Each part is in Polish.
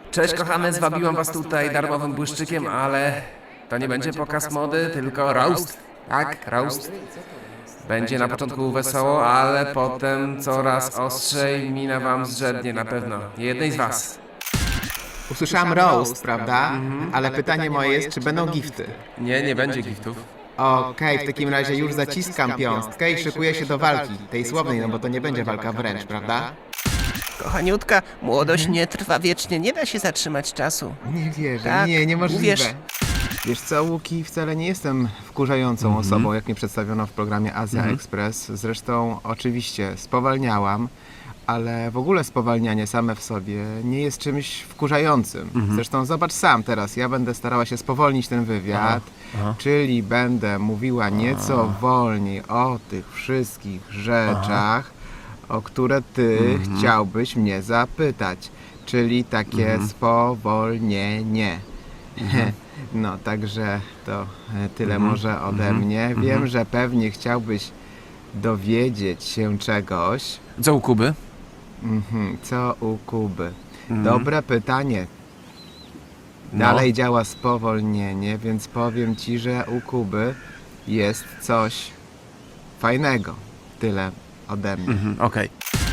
Cześć kochane, zwabiłam was tutaj darmowym błyszczykiem, ale to nie będzie pokaz mody, tylko roast. Tak, roast. Będzie na początku wesoło, ale potem coraz ostrzej mina wam zrzednie na pewno. Jednej z was. Usłyszałem roast, prawda? Ale pytanie moje jest, czy będą gifty? Nie będzie giftów. Okej, w takim razie już zaciskam piąstkę i szykuję się do walki. Tej słownej, no bo to nie będzie walka wręcz, prawda? Kochaniutka, młodość nie trwa wiecznie, nie da się zatrzymać czasu. Nie wierzę, Tak, niemożliwe. uwierz. Wiesz co, Łuki, wcale nie jestem wkurzającą osobą, jak mnie przedstawiono w programie Azja Express. Zresztą oczywiście spowalniałam, ale w ogóle spowalnianie same w sobie nie jest czymś wkurzającym. Zresztą zobacz sam teraz, ja będę starała się spowolnić ten wywiad, czyli będę mówiła nieco wolniej o tych wszystkich rzeczach, o które ty chciałbyś mnie zapytać, czyli takie spowolnienie. No, także to tyle może ode mnie. Wiem, że pewnie chciałbyś dowiedzieć się czegoś. Co u Kuby? Co u Kuby? Dobre pytanie. Dalej działa spowolnienie, więc powiem ci, że u Kuby jest coś fajnego. Tyle ode mnie. Okej.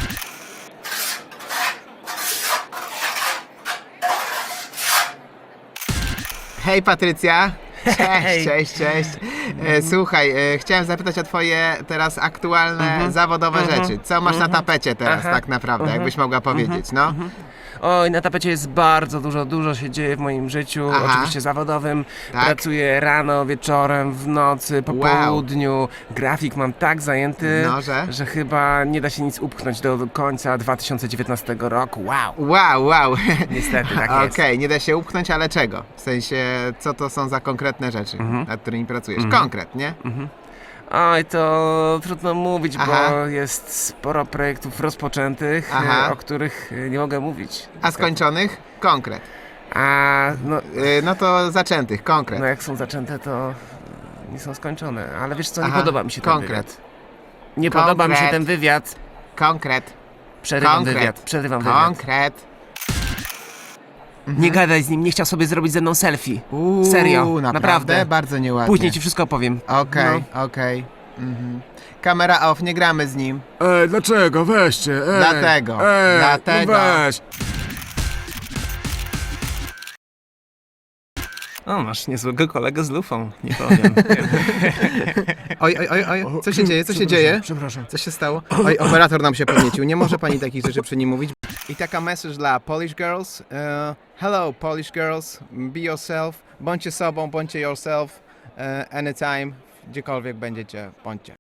Hej Patrycja! Cześć. Słuchaj, chciałem zapytać o twoje teraz aktualne zawodowe rzeczy. Co masz na tapecie teraz tak naprawdę, jakbyś mogła powiedzieć, no? Oj, na tapecie jest bardzo dużo się dzieje w moim życiu, Aha. oczywiście zawodowym. Tak? Pracuję rano, wieczorem, w nocy, po Wow. południu. Grafik mam tak zajęty, No, że chyba nie da się nic upchnąć do końca 2019 roku. Wow! Wow. Niestety, tak jest. Okej, nie da się upchnąć, ale czego? W sensie, co to są za konkretne rzeczy, nad którymi pracujesz? Konkretnie? Oj, to trudno mówić, Aha. bo jest sporo projektów rozpoczętych, Aha. o których nie mogę mówić. A skończonych? Konkret. A no, No to zaczętych, konkret. no jak są zaczęte, to nie są skończone. Ale wiesz co, nie Aha, podoba mi się ten konkret. wywiad. Nie podoba mi się Konkret. ten wywiad. Konkret. Przerywam Konkret. wywiad, przerywam wywiad. Konkret. Nie gadaj z nim, nie chciał sobie zrobić ze mną selfie. Serio, naprawdę. Bardzo nieładnie. Później ci wszystko opowiem. Okej. Kamera off, nie gramy z nim. Dlaczego? Weźcie, Dlatego. No weź. O, masz niezłego kolegę z lufą, nie powiem. Oj, co się dzieje, co się dzieje? Przepraszam. Co się stało? Oj, operator nam się podniecił, nie może pani takich rzeczy przy nim mówić. I taka message dla Polish Girls. Hello Polish Girls, be yourself, bądźcie sobą, bądźcie yourself, anytime, gdziekolwiek będziecie, bądźcie.